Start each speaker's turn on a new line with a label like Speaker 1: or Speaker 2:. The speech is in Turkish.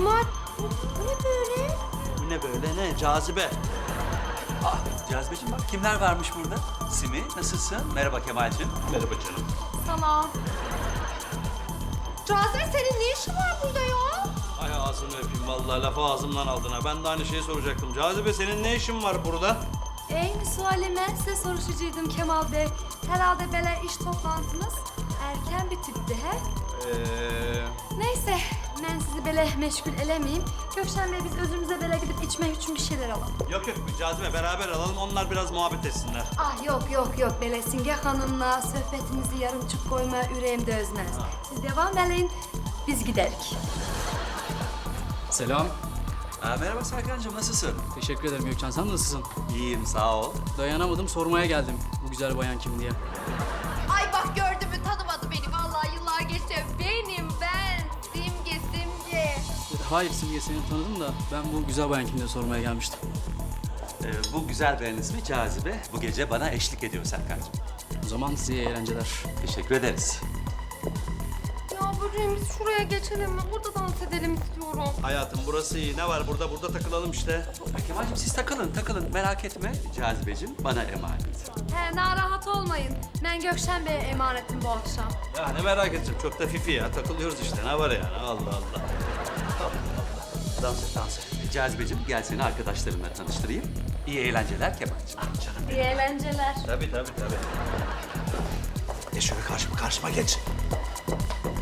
Speaker 1: Kemal, bu ne böyle?
Speaker 2: Bu ne böyle ne? Cazibe. Ah Cazibeciğim bak kimler varmış burada? Simi nasılsın? Merhaba Kemal'cim. Merhaba canım.
Speaker 1: Sana. Cazibe senin ne işin var burada ya?
Speaker 2: Ay ağzını öpeyim vallahi lafı ağzımdan aldın ha. Ben de aynı şeyi soracaktım. Cazibe senin ne işin var burada?
Speaker 1: Eyni suali ben size soruşacaktım Kemal Bey. Herhalde böyle iş toplantınız erken bitipti he? Neyse, ben sizi böyle meşgul elemeyeyim. Gökşen Bey biz özümüze böyle gidip içmek için bir şeyler alalım.
Speaker 2: Yok Cazibe beraber alalım onlar biraz muhabbet etsinler.
Speaker 1: Ah yok böyle Singe Hanım'la sohbetinizi yarımçık koyma yüreğimde özmez. Siz devam edin, biz giderik.
Speaker 3: Selam.
Speaker 2: Merhaba Serkan'cığım nasılsın?
Speaker 3: Teşekkür ederim Gökçen. Sen nasılsın?
Speaker 2: İyiyim sağ ol.
Speaker 3: Dayanamadım, sormaya geldim. Bu güzel bayan kim diye.
Speaker 4: Ay bak gördün mü tanımadı beni vallahi yıllar geçti. Benim ben Simge.
Speaker 3: Hayır Simge, seni tanıdım da ben bu güzel bayan kim diye sormaya gelmiştim.
Speaker 2: Bu güzel beğen ismi Cazibe. Bu gece bana eşlik ediyor Serkan'cığım.
Speaker 3: O zaman size iyi eğlenceler.
Speaker 2: Teşekkür ederiz.
Speaker 1: Ya böceğim biz şuraya geçelim mi? Burada dans edelim istiyorum.
Speaker 2: Hayatım burası iyi. Ne var burada takılalım işte. Kemal'cim siz takılın merak etme. Cazibeciğim bana emanet.
Speaker 1: He, narahat olmayın. Ben Gökşen Bey'e emanetim bu akşam.
Speaker 2: Ya ne merak edeceğim çok da fifi ya. Takılıyoruz işte ne var yani Allah Allah. Dans et. Cazibeciğim gel seni arkadaşlarımla tanıştırayım. İyi eğlenceler Kemal'cim. Ah canım.
Speaker 1: İyi eğlenceler.
Speaker 2: Tabii. Şöyle karşıma geç.